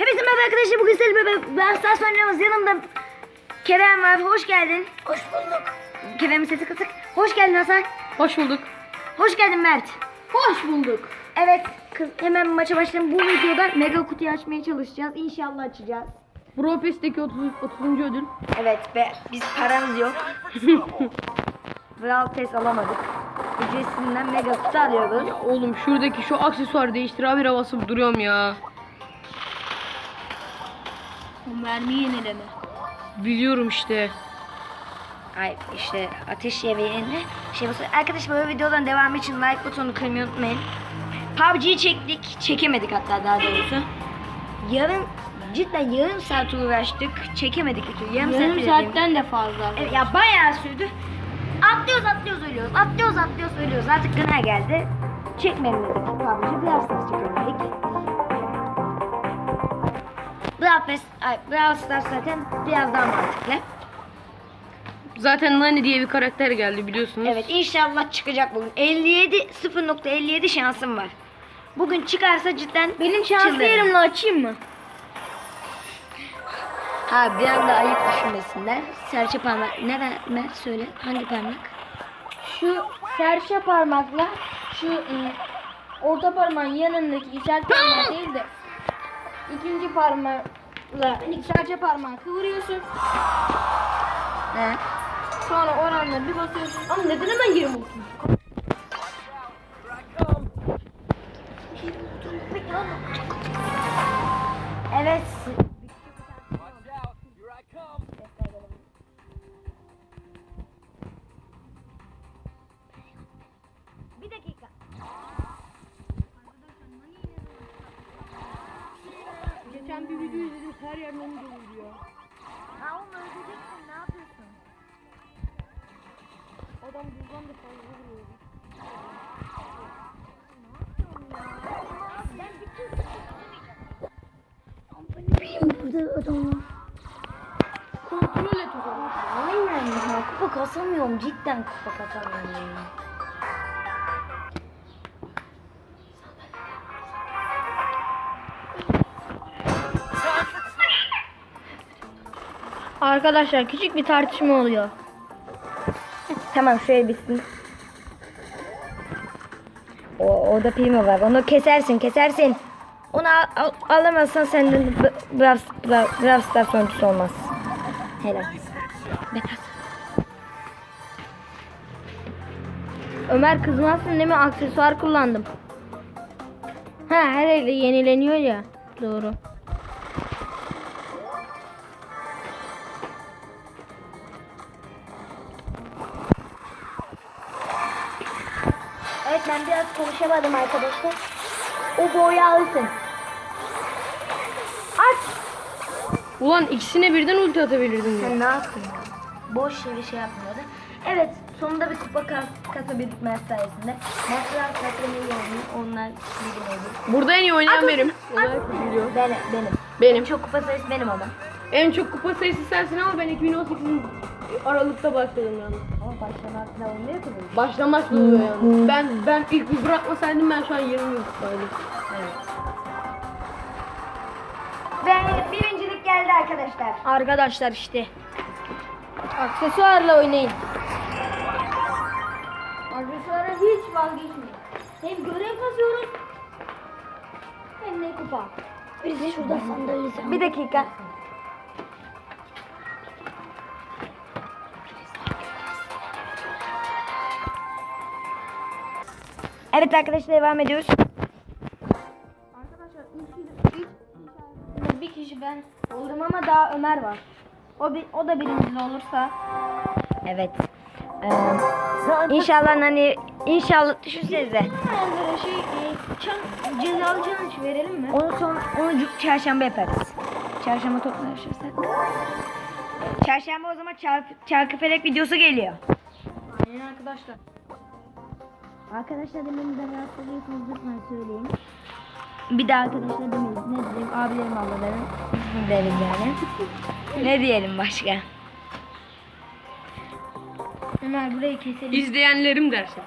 Hepinize merhaba arkadaşlar. Bugün sizinle beraber oynuyoruz. Yanımda Kerem var. Hoş geldin. Hoş bulduk. Kerem'in sesi kısık. Hoş geldin Hasan. Hoş bulduk. Hoş geldin Mert. Hoş bulduk. Evet, hemen maça başlayalım. Bu videoda mega kutuyu açmaya çalışacağız. İnşallah açacağız. Brawl Pass'teki 30. ödül. Evet be, biz paramız yok. Brawl Pass alamadık. Ücretsizinden mega kutu alıyoruz. Ya oğlum şuradaki şu aksesuar değiştir abi, havası duruyorum ya. O mermi yenileme. Biliyorum işte. Ay işte ateş yemeğine şey basıyor. Arkadaşlar böyle videodan devam için like butonu kırmayı unutmayın. PUBG'yi çektik. Çekemedik hatta daha doğrusu. Cidden yarım saat uğraştık. Çekemedik bir türlü. Yarım bile saatten de fazla. evet, ya bayağı sürdü. Atlıyoruz ölüyoruz. Atlıyoruz ölüyoruz. Artık gına geldi. Çekmeyelim dedik PUBG'yi. Biraz daha çekemedik. Brawl Stars zaten biraz daha mantıklı. Zaten Nani diye bir karakter geldi biliyorsunuz. Evet, inşallah çıkacak bugün. 0.57 şansım var. Bugün çıkarsa cidden Benim şanslı çıldırırım. yerimle açayım mı? Ha, bir anda ayıp düşünmesinler. Serçe parmak. Ne Mert söyle? Hangi parmak? Şu serçe parmakla şu orta parmağın yanındaki işaret parmağı değil de ikinci parmakla serçe parmağı kıvırıyorsun. He. Sonra oranla bir basıyorsun. Ama neden hemen yerim oturmuş? Evet. Bir dakika. Geçen bir video izledim, her yer Nani doluyor. Ha, oğlum öldüreceksin, ne yapıyorsun? Adam buradan da fazla vuruyor. Burada adamlar. Kontrol et o zaman. Aynen ya, kupa kasamıyorum, cidden kupa kasamıyorum. Arkadaşlar küçük bir tartışma oluyor. Tamam, şöyle bitsin. Orada primo var, onu kesersin. Onu alamazsan senden Brawl Stars sonuçta olmaz. Helal. Betas. Ömer kızmazsın değil mi? Aksesuar kullandım. Ha, her elde yenileniyor ya. Doğru. Evet, ben biraz konuşamadım arkadaşlar. O boyu alsın. Aç. Ulan ikisine birden ulti atabilirdim ya. Sen ne yaptın ya? Boş yere şey yapmıyordu. Evet, sonunda bir kupa kasabildik Mert sayesinde. Mert biraz kasamayı oynuyor. Onlar bilgin oldu. Burada en iyi oynayan At, benim. at. Olarak biliyor. Benim. Benim. Çok kupa sayısı benim ama. En çok kupa sayısı sensin ama ben 2018'in Aralık'ta başladım yani. Ama başlamakla olmuyor ki bu. Başlamakla oluyor yani. Ben ilk bir bırakmasaydım ben şu an 20 yıl kupaydım. Evet. Ve birincilik geldi arkadaşlar. Arkadaşlar işte. Aksesuarla oynayın. Aksesuara hiç vazgeçmeyin. Hem görev kazıyoruz hem de kupa. Biz şurada sandalyeyiz. Bir dakika. Evet arkadaşlar, devam ediyoruz. Arkadaşlar ilk bir kişi ben olurum ama daha Ömer var. O da birincili olursa Evet. İnşallah hani düşünsenize. böyle şey cezalı challenge verelim mi? Onu çarşamba yaparız. Çarşamba toplaşırsak. Çarşamba o zaman çarkıfelek videosu geliyor. Aynen arkadaşlar. Arkadaşlar demeyin, ben rahatsız ediyorsanız lütfen söyleyin. Bir de arkadaşlar demeyiz. Ne diyeyim? Abilerim, ablalarım deriz yani. Ne diyelim başka? Ömer burayı keselim. İzleyenlerim dersin.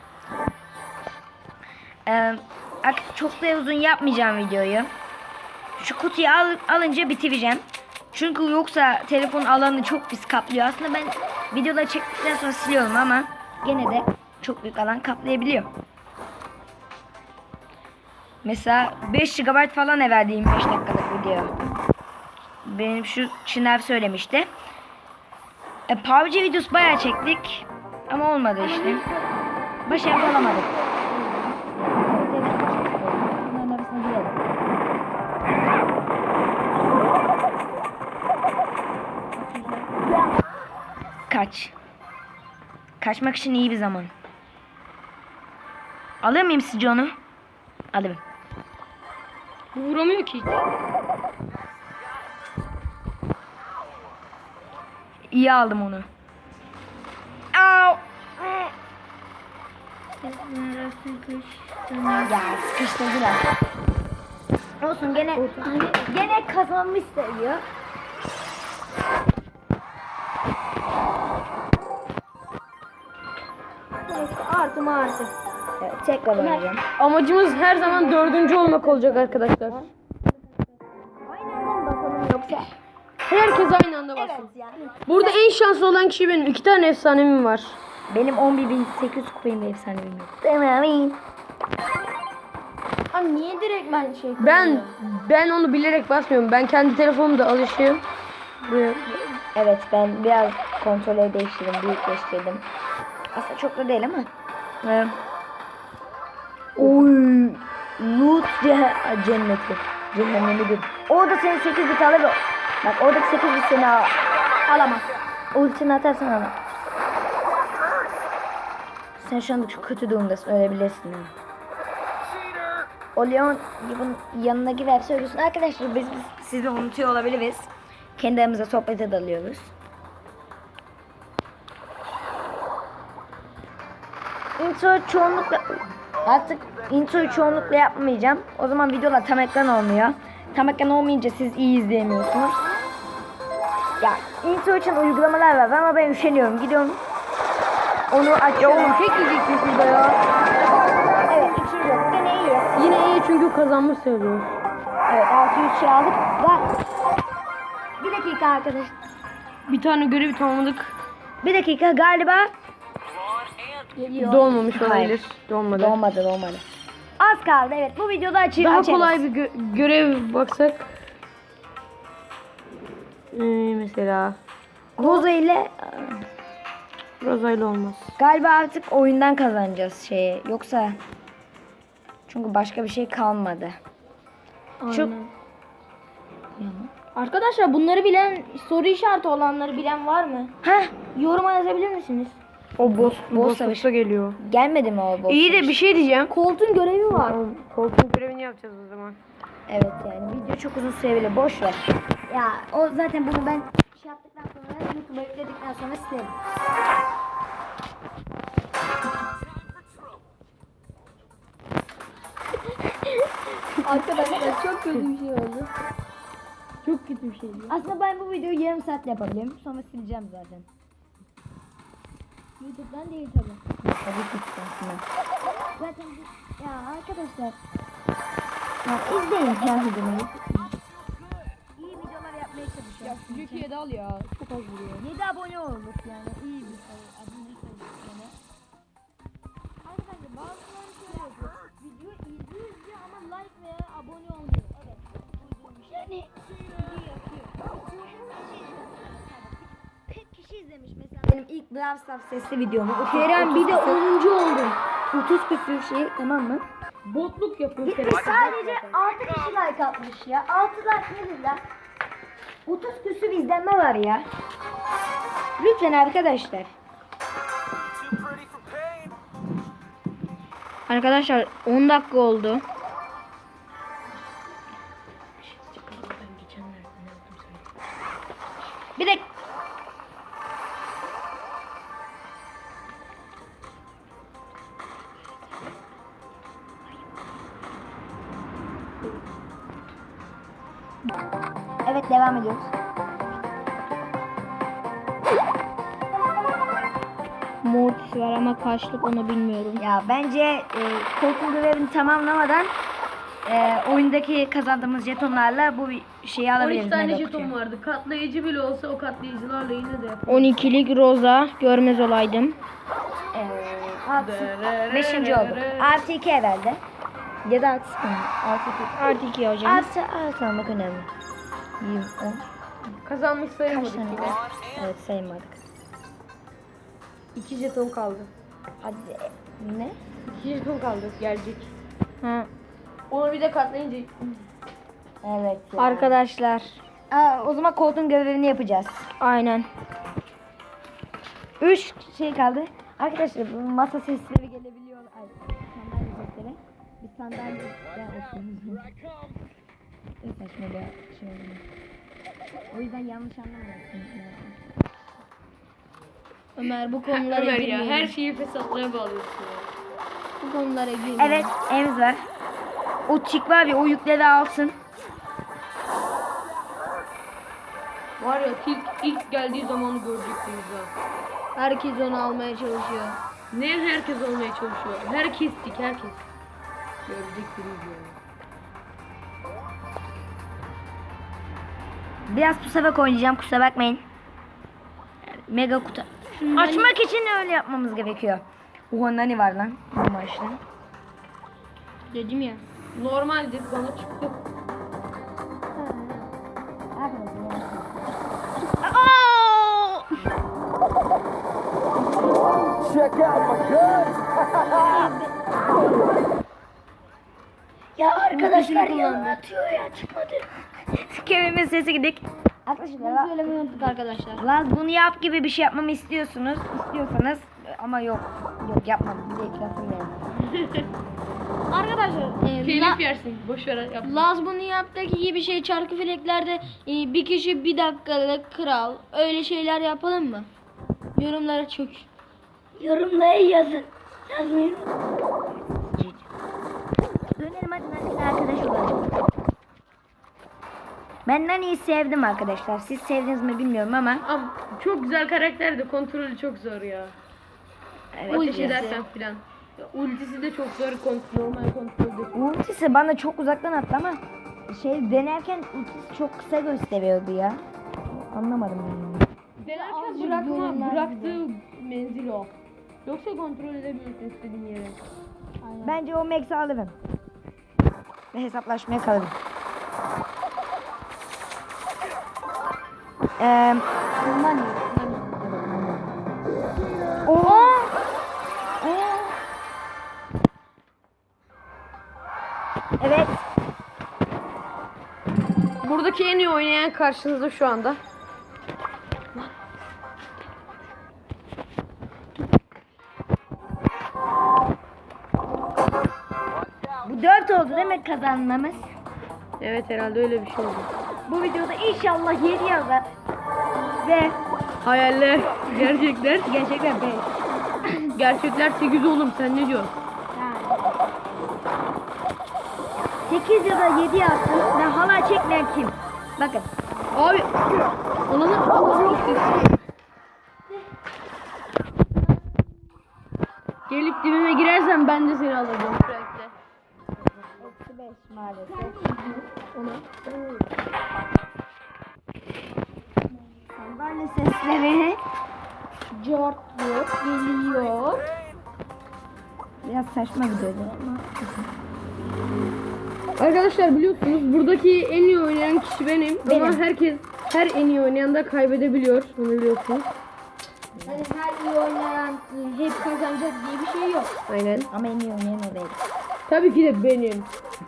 Çok da uzun yapmayacağım videoyu. Şu kutuyu alınca bitireceğim. Çünkü yoksa telefon alanı çok pis kaplıyor. Aslında ben videoları çektikten sonra siliyorum ama gene de çok büyük alan kaplayabiliyor. Mesela 5 GB falan evvel 25 dakikalık video. Benim şu Çınar söylemişti. PUBG videosu bayağı çektik ama olmadı işte. Başarılı olamadık. Bunların arasına girelim. Kaç. Kaçmak için iyi bir zaman. Alır mıyım sizce onu? Alırım. Bu vuramıyor ki hiç. İyi aldım onu. Au! Ya sıkıştırdılar. Olsun gene kazanmış sayıyor. Artı mı artı. Evet, tekrar oynayacağım. Amacımız her zaman 4. olmak olacak arkadaşlar. Aynı anda mı bakalım yoksa? Herkes aynı anda bassın. Evet yani. Burada en şanslı olan kişi benim. 2 tane efsanemim var. Benim 11.800 kupayım ve efsanevim yok. Abi niye direkt ben şey Ben onu bilerek basmıyorum. Ben kendi telefonumda alışığım. Buraya. Evet ben biraz kontrolü değiştirdim, büyükleştirdim. Aslında çok da değil ama. Oy, loot cenneti. Cehennemi gibi. Orada senin 8 bit alır. Bak oradaki 8 bit seni alamaz. Ultini atarsan alamaz. Sen şu anda çok kötü durumdasın, ölebilirsin. Yani. O Leon yanına girer söylüyorsun. Arkadaşlar biz sizi unutuyor olabiliriz. Kendi aramızda sohbete dalıyoruz. Introyu çoğunlukla yapmayacağım. O zaman videolar tam ekran olmuyor. Tam ekran olmayınca siz iyi izleyemiyorsunuz. Ya intro için uygulamalar var ama ben üşeniyorum. Gidiyorum. Onu açıyorum. Oğlum tek yiyeceksin şurada ya. Evet, ikinci yok. Gene iyi. Yine iyi çünkü kazanmış sayılıyor. Evet, 600 şey aldık. Bir dakika arkadaş. Bir tane görevi tamamladık. Bir dakika galiba. Dolmamış olabilir. Hayır. Dolmadı. Dolmadı. Az kaldı evet. Bu videoda Daha açarız. kolay bir görev baksak. Mesela Roza ile Rozayla olmaz. galiba artık oyundan kazanacağız şeyi. Yoksa çünkü başka bir şey kalmadı. Çok Arkadaşlar bunları bilen, soru işareti olanları bilen var mı? Heh, Yoruma yazabilir misiniz? O boss savaşı. savaşta geliyor. gelmedi mi o boss? İyi de bir şey diyeceğim. Koltuğun görevi var. Koltuğun görevini yapacağız o zaman. Evet yani video çok uzun sürebilir. Boş ver. Ya o zaten bunu ben şey yaptıktan sonra YouTube'a yükledikten sonra silerim. Arkadaşlar çok kötü bir şey oldu. Çok kötü bir şey. Aslında ben bu videoyu yarım saatte yapabilirim. Sonra sileceğim zaten. YouTube'dan değil tabii. Tabii ki aslında. Zaten ya arkadaşlar ya izleyin her videoyu. İyi videolar yapmaya çalışıyorum. Türkiye'de al ya. Çok az vuruyor. 7 abone olduk yani iyi bir sayı. Abone sayısı yani. Arkadaşlar bazıları şöyle yapıyor. Video izliyor ama like veya abone olmuyor. Evet. Yani Video yapıyor. 40 kişi izlemiş mesela. Benim ilk Brawl Stars sesli videomu. Kerem bir de 10. oldum. 30 küsür şey tamam mı? Botluk yapıyor Kerem. Sadece 6 kişi like atmış ya. 6 like nedir lan? 30 küsür izlenme var ya. Lütfen arkadaşlar. Arkadaşlar 10 dakika oldu. Bir de evet devam ediyoruz. Mortis var ama kaçlık onu bilmiyorum. Ya bence koltuğun görevini tamamlamadan oyundaki kazandığımız jetonlarla bu şeyi 12 alabiliriz. tane mega jeton kutuyu. vardı. Katlayıcı bile olsa o katlayıcılarla yine de yaparız. 12'lik Rosa görmez olaydım. 5. olduk. Artı 2 herhalde. Ya da artı 0 mı? Artı 2. Artı 2 hocam. Artı almak önemli. 20, 10. Kazanmış Kaç sayılmadık tane yine. var? Evet saymadık. 2 jeton kaldı. Hadi ne? 2 jeton kaldı gelecek. Ha. Onu bir de katlayınca Evet. Ya. Arkadaşlar. O zaman koltuğun görevini yapacağız. Aynen. 3 şey kaldı. Arkadaşlar bu masa sesleri gelebiliyor. Ay, sandalye sesleri. Bir sandalye olsun. Ne saçma bir şey oldu. O yüzden yanlış anlamayasın. Ömer bu konulara Ömer ya girmeyelim. her şeyi fesatlığa bağlıyorsun ya. Bu konulara girmeyelim. Evet, evimiz var. O çik var ya, o yükleri alsın. Var ya ilk geldiği zamanı görecektiniz ha. Herkes onu almaya çalışıyor. Ne herkes olmaya çalışıyor. Herkes. Görecektiniz yani. Biraz pusabak oynayacağım, kusura bakmayın. Mega kutu. Açmak için öyle yapmamız gerekiyor. Oha nani var lan bu maçta. Dedim ya. Normaldir bana çıktı. Ya arkadaşlar yalan atıyor ya, çıkmadı. Kevimin sesi gidik. Arkadaşlar Söylemeyi unuttuk arkadaşlar. Laz bunu yap gibi bir şey yapmamı istiyorsanız ama yok yapmadım, bir de iklasım yani. Arkadaşlar. Telif yersin. Boş ver yap. Laz bunu yaptaki gibi şey çarkı fileklerde bir kişi bir dakikalık kral. Öyle şeyler yapalım mı? Yorumlara çok. Yorumlara yazın. Yazmayın. Dönelim hadi Nani'yle arkadaş olalım. Ben Nani'yi sevdim arkadaşlar. Siz sevdiniz mi bilmiyorum ama. Ama çok güzel karakterdi. Kontrolü çok zor ya. Evet. Ateş ya. edersen filan. Ya, ultisi de çok zor normal kontrolde. Ultisi bana çok uzaktan attı ama denerken ultisi çok kısa gösteriyordu ya. Anlamadım ben. Denerken bıraktığı menzil o. Yoksa kontrol edebilirsin istediğin yere. Bence o Max'i alırım. Ve hesaplaşmaya kalırım. Nani. Evet. Buradaki en iyi oynayan karşınızda şu anda. Bu 4 oldu değil mi kazanmamız? Evet herhalde öyle bir şey oldu. Bu videoda inşallah 7 yazar. Ve Hayaller, gerçekler. gerçekten 5. Gerçekler 8 oğlum sen ne diyorsun? 8 ya da 7 yazsın ve halay çekmeyen kim? Bakın. Abi olanı gelip dibime girersen ben de seni alacağım sürekli. Eksi 5 maalesef. Sandalye sesleri. Cort yok. Geliyor. Biraz saçma gidiyordu ama. Arkadaşlar biliyorsunuz buradaki en iyi oynayan kişi benim. Ama her en iyi oynayan da kaybedebiliyor. Bunu biliyorsunuz. Yani her iyi oynayan hep kazanacak diye bir şey yok. Aynen. Ama en iyi oynayan o değil. Tabii ki de benim.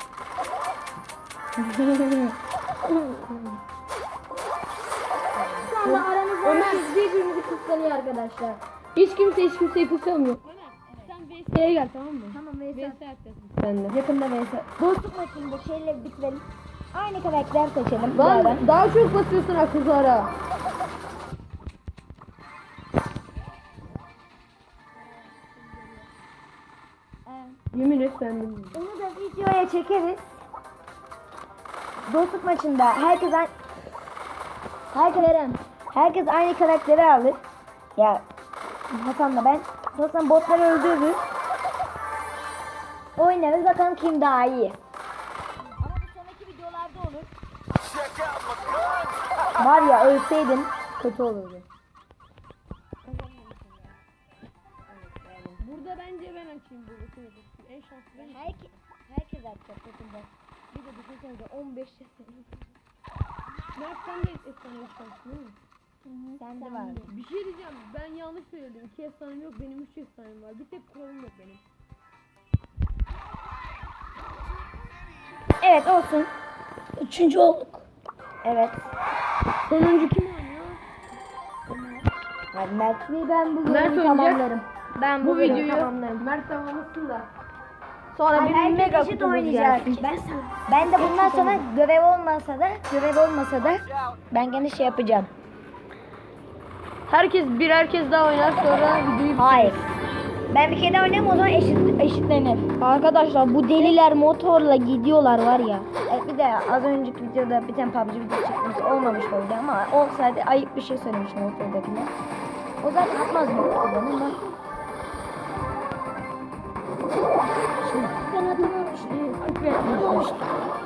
Şu anda aramızda herkes birbirimizi kıskanıyor arkadaşlar. Hiç kimseyi kıskanmıyor. Sen VS'ye gel tamam mı? Tamam Veysel. Sen de. Yakında Veysel. Dostluk maçında şeyle bitirelim. Aynı karakter seçelim. bu ara. Lan daha çok basıyorsun akıllara. Yemin et ben de. Bunu da videoya çekeriz. Dostluk maçında herkes aynı karakteri alır. Ya Hasan'la ben. Sonra botları öldürürüz. Oynarız bakalım kim daha iyi. Var ya ölseydim kötü olurdu. Burada bence ben açayım buradakini. En şanslı ben. Herkes atacak takımda. Bir de düşünsenize 15 yaşında. Mert sen de efsane şanslı değil mi? Sende var. Bir şey diyeceğim. Ben yanlış söyledim. 2 efsanem yok. Benim 3 efsanem var. Bir tek kuralım yok benim. Evet olsun. 3. olduk. Evet. Sonuncu kim oynuyor? Hadi Mert Bey, ben bu Mert bölümü oynayacak. tamamlarım. Ben Bu bölümü videoyu tamamlarım. Mert tamamlasın da. Sonra Hayır, bir herkes mega eşit kutumuz oynayacak. gelsin. Ben de bundan sonra görev olmasa da ben gene şey yapacağım. Herkes daha oynar sonra videoyu Hayır. Ben bir kere oynayayım, o zaman eşitlenir. Arkadaşlar bu deliler motorla gidiyorlar var ya. Bir de az önceki videoda bir tane PUBG videosu çıkmış, olmamış oldu ama olsaydı ayıp bir şey söylemiştim ortadakine. O zaten atmaz mı oradan ama. Ben atamamıştım.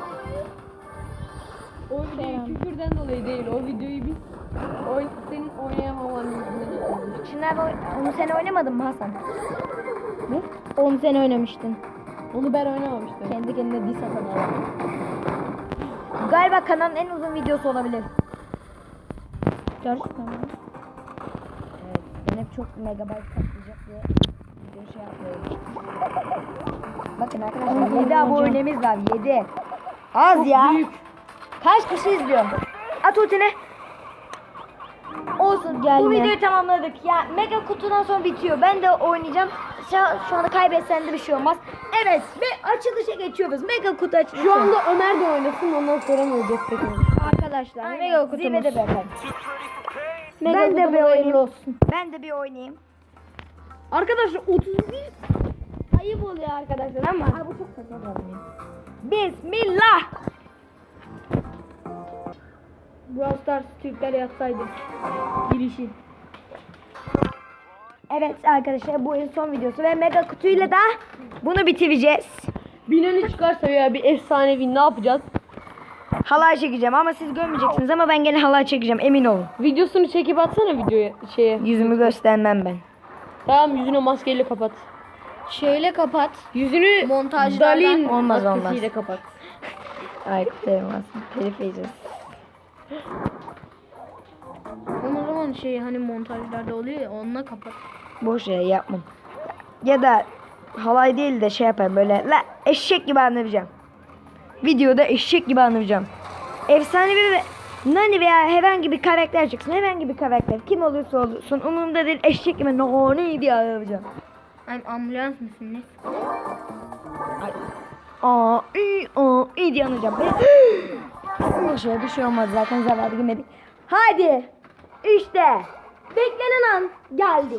O videoyu küfürden dolayı değil. O videoyu biz senin oynayamaman yüzünden yapıyoruz. Şimdi onu sen oynamadın mı Hasan? Ne? 10 sene oynamıştın. Onu ben oynamamıştım. Kendi kendine diss atan adam. Galiba kanalın en uzun videosu olabilir. Gerçekten mi? Evet, ben hep çok megabayt kaplayacak diye video şey yapıyorum. Bakın arkadaşlar 7 abonemiz var, 7. Az ya. Büyük. Kaç kişi izliyor? At ultine. Olsun. Gelme. Bu videoyu tamamladık. Ya mega kutudan sonra bitiyor. Ben de oynayacağım. Şu anda kaybetsen de bir şey olmaz. Evet ve açılışa geçiyoruz. Mega kutu açılışı. Şu anda Ömer de oynasın ondan sonra mı destek olur? Arkadaşlar Aynen, mega kutumuz. zirvede bakalım. Mega Ben de bir kutumuz hayırlı oynayayım. olsun. Ben de bir oynayayım. Arkadaşlar 31 Ayıp oluyor arkadaşlar ama. Aa, bu çok saçma oldu. Bismillah. Brawl Stars Türkler yapsaydı. Girişi. Evet arkadaşlar, bu en son videosu ve mega kutuyla da bunu bitireceğiz. binanı çıkarsa veya bir efsanevi ne yapacağız? Halay çekeceğim ama siz görmeyeceksiniz ama ben gene halay çekeceğim, emin olun. Videosunu çekip atsana videoya şeye. Yüzümü göstermem ben. Tamam yüzünü maskeyle kapat. Şöyle kapat. Yüzünü Montajlardan Dalin olmaz, maskesiyle olmaz. kapat. Ay kutlayamazsın. Telif yiyeceğiz. O zaman şey hani montajlarda oluyor ya, onunla kapat. Boş ya, yapmam. Ya da halay değil de şey yaparım böyle la eşek gibi anlatacağım. Videoda eşek gibi anlatacağım. Efsanevi ve Nani veya herhangi bir karakter çıksın. Herhangi bir karakter. Kim olursa olsun. Umurumda değil, eşek gibi Nani diye anlatacağım. Ay, ambulans mısın ne? İyi diye anlayacağım. Boşver, bir şey olmaz zaten, zarar yemedik. Hadi. İşte. Beklenen an geldi.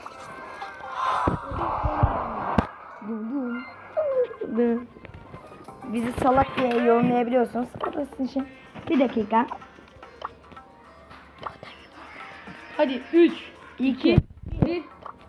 Bizi salak diye yorumlayabiliyorsunuz. Kapasın için. Bir dakika. Hadi 3, 2, 1.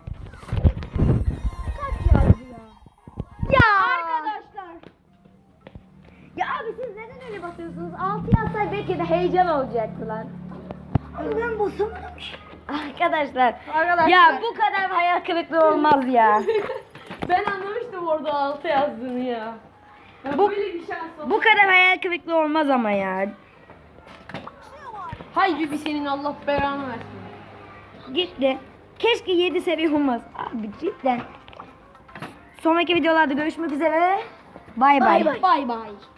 Ya arkadaşlar. Ya abi siz neden öyle basıyorsunuz? 6 yazsay belki de heyecan olacaktı lan. Ben basamadım. Arkadaşlar. Ya bu kadar hayal kırıklığı olmaz ya. Ben anlamıştım orada 6 yazdığını ya. Bu- Böyle bir şans oldu. Bu kadar hayal kırıklığı olmaz ama ya. Haydi bir senin Allah belanı versin. Gitti. Keşke 7 seviye olmaz. Abi cidden. Sonraki videolarda görüşmek üzere. Bay bay. Bay bay.